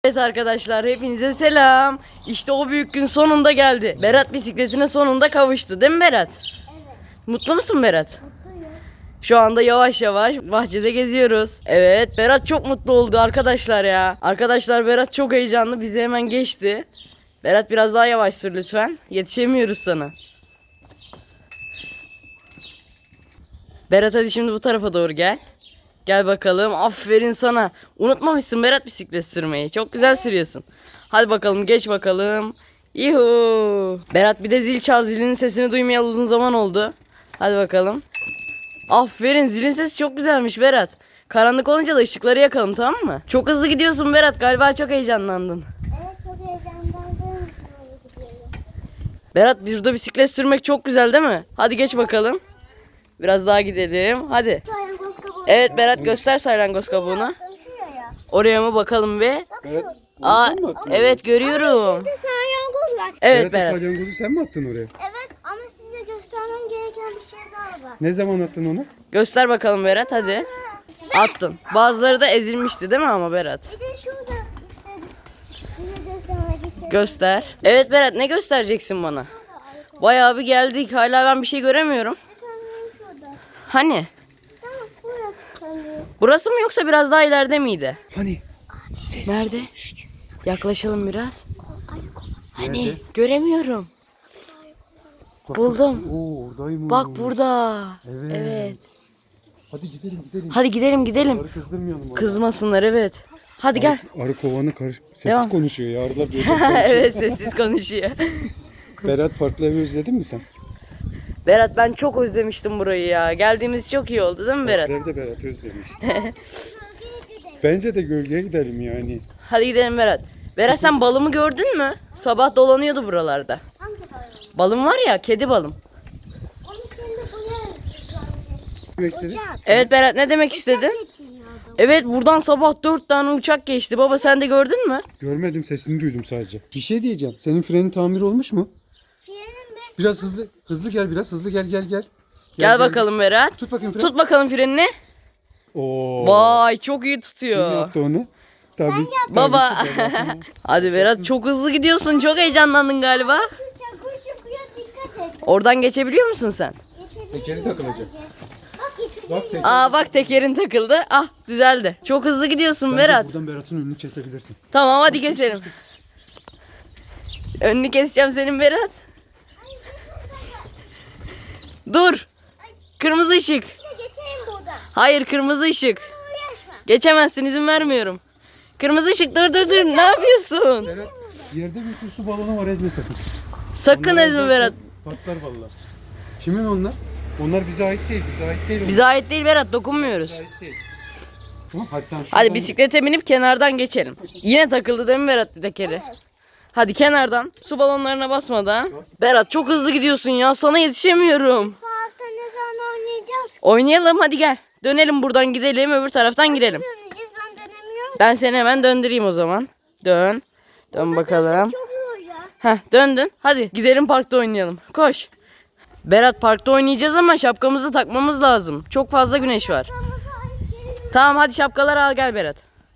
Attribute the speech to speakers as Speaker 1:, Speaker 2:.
Speaker 1: Evet arkadaşlar, hepinize selam. İşte o büyük gün sonunda geldi. Berat bisikletine sonunda kavuştu, değil mi Berat?
Speaker 2: Evet.
Speaker 1: Mutlu musun Berat?
Speaker 2: Mutluyum.
Speaker 1: Şu anda yavaş yavaş bahçede geziyoruz. Evet, Berat çok mutlu oldu arkadaşlar ya. Arkadaşlar, Berat çok heyecanlı, bizi hemen geçti. Berat biraz daha yavaş sür lütfen. Yetişemiyoruz sana. Berat, hadi şimdi bu tarafa doğru gel. Gel bakalım. Aferin sana. Unutmamışsın Berat bisiklet sürmeyi. Çok güzel sürüyorsun. Hadi bakalım, geç bakalım. Yuhu. Berat, bir de zil çal. Zilin sesini duymayalı uzun zaman oldu. Hadi bakalım. Aferin, zilin sesi çok güzelmiş Berat. Karanlık olunca da ışıkları yakalım, tamam mı? Çok hızlı gidiyorsun Berat. Galiba çok heyecanlandın.
Speaker 2: Evet, çok heyecanlandım.
Speaker 1: Berat, burada bisiklet sürmek çok güzel değil mi? Hadi geç bakalım. Biraz daha gidelim. Hadi.
Speaker 2: Salyangoz kabuğu.
Speaker 1: Evet Berat, göster salyangoz kabuğunu.
Speaker 2: Şuraya.
Speaker 1: Oraya mı bakalım be?
Speaker 2: Bak
Speaker 3: Berat,
Speaker 2: şu.
Speaker 1: Aa,
Speaker 3: sen mi attın
Speaker 1: evet görüyorum.
Speaker 2: Şimdi salyangoz var.
Speaker 1: Evet
Speaker 3: Berat, o
Speaker 1: Berat.
Speaker 3: salyangozu sen mi attın oraya?
Speaker 2: Evet, ama size göstermem gereken bir şey daha var.
Speaker 3: Ne zaman attın onu?
Speaker 1: Göster bakalım Berat, hadi. Attın. Bazıları da ezilmişti değil mi ama Berat?
Speaker 2: Bir de şurada istedim. Size göstermek istedim.
Speaker 1: Göster. Evet Berat, ne göstereceksin bana? Bayağı bir geldik. Hala ben bir şey göremiyorum.
Speaker 2: Şurada.
Speaker 1: Hani?
Speaker 2: Tamam, burası sanırım.
Speaker 1: Burası mı yoksa biraz daha ileride miydi?
Speaker 3: Hani? Ses.
Speaker 1: Nerede? Yaklaşalım biraz. Hani?
Speaker 3: Nerede?
Speaker 1: Göremiyorum.
Speaker 3: Bak,
Speaker 1: Buldum.
Speaker 3: Oo, oradaymış.
Speaker 1: Bak burada.
Speaker 3: Evet.
Speaker 1: Evet.
Speaker 3: Hadi gidelim.
Speaker 1: Hadi gidelim.
Speaker 3: Arı kızdırmayalım. onu.
Speaker 1: Kızmasınlar, evet. Hadi gel.
Speaker 3: Arı kovanı sessiz
Speaker 1: Devam.
Speaker 3: konuşuyor ya. Arılar duyacak sanki.
Speaker 1: Evet, sessiz konuşuyor.
Speaker 3: Berat, farklı evi özledin mi sen?
Speaker 1: Berat, ben çok özlemiştim burayı ya. Geldiğimiz çok iyi oldu değil mi Berat?
Speaker 3: Farklı evde Berat özlemiş. Bence de gölgeye gidelim yani.
Speaker 1: Hadi gidelim Berat. Berat, sen balımı gördün mü? Sabah dolanıyordu buralarda.
Speaker 2: Hangi balon?
Speaker 1: Balım var ya, kedi balım.
Speaker 2: Onu şimdi buraya
Speaker 3: Demek istedin?
Speaker 2: uçak.
Speaker 1: Evet Berat, ne demek istedin?
Speaker 2: Geçiriyordum.
Speaker 1: Evet, buradan sabah 4 tane uçak geçti. Baba, sen de gördün mü?
Speaker 3: Görmedim, sesini duydum sadece. Bir şey diyeceğim. Senin frenin tamir olmuş mu?
Speaker 2: Frenim de
Speaker 3: Biraz hızlı gel biraz. Hızlı gel.
Speaker 1: Gel bakalım Berat.
Speaker 3: Tut bakayım freni.
Speaker 1: Tut bakalım frenini.
Speaker 3: Oo.
Speaker 1: Vay, çok iyi
Speaker 3: Kim
Speaker 1: tutuyor.
Speaker 3: yaptı onu? Tabii.
Speaker 1: Baba.
Speaker 3: tabii ki Berat.
Speaker 1: Hadi Berat, çok hızlı gidiyorsun. Çok heyecanlandın galiba.
Speaker 2: çakır çıkıyor, dikkat et.
Speaker 1: Oradan geçebiliyor musun sen?
Speaker 3: Tekeri takılacak.
Speaker 2: Bak geçirdim.
Speaker 3: Bak teker.
Speaker 1: Aa bak, tekerin takıldı. Ah, düzeldi. Çok hızlı gidiyorsun
Speaker 3: Bence
Speaker 1: Berat.
Speaker 3: buradan Berat'ın önünü kesebilirsin.
Speaker 1: Tamam, hadi keselim. Önünü keseceğim senin Berat. Dur. Kırmızı ışık.
Speaker 2: Bir de geçeyim buradan.
Speaker 1: Hayır, kırmızı ışık.
Speaker 2: Uğraşma.
Speaker 1: Geçemezsin, izin vermiyorum. Kırmızı ışık, dur. Ne yapıyorsun?
Speaker 3: Berat, yerde bir sürü su balonu var, ezme sakın.
Speaker 1: Sakın
Speaker 3: Onları
Speaker 1: ezme
Speaker 3: ezersen
Speaker 1: Berat.
Speaker 3: Patlar valla. Kimin onlar? Onlar bize ait değil, onlar.
Speaker 1: Bize ait değil Berat, dokunmuyoruz.
Speaker 3: Bize ait değil. Tamam, hadi sen
Speaker 1: Hadi bisiklete binip kenardan geçelim. Yine takıldı değil mi Berat bir tekeri? Hadi kenardan, su balonlarına basmadan. Berat, çok hızlı gidiyorsun ya, sana yetişemiyorum.
Speaker 2: Parkta ne zaman oynayacağız?
Speaker 1: Oynayalım, hadi gel. Dönelim, buradan gidelim, öbür taraftan gidelim.
Speaker 2: Döneceğiz, ben dönemiyorum.
Speaker 1: Ben seni hemen döndüreyim o zaman. Dön. Dön bakalım.
Speaker 2: Çok zor ya.
Speaker 1: Heh, döndün. Hadi gidelim, parkta oynayalım. Koş. Berat, parkta oynayacağız ama şapkamızı takmamız lazım. Çok fazla güneş var.
Speaker 2: Kırmızı ay gelin.
Speaker 1: Tamam, hadi şapkaları al gel Berat.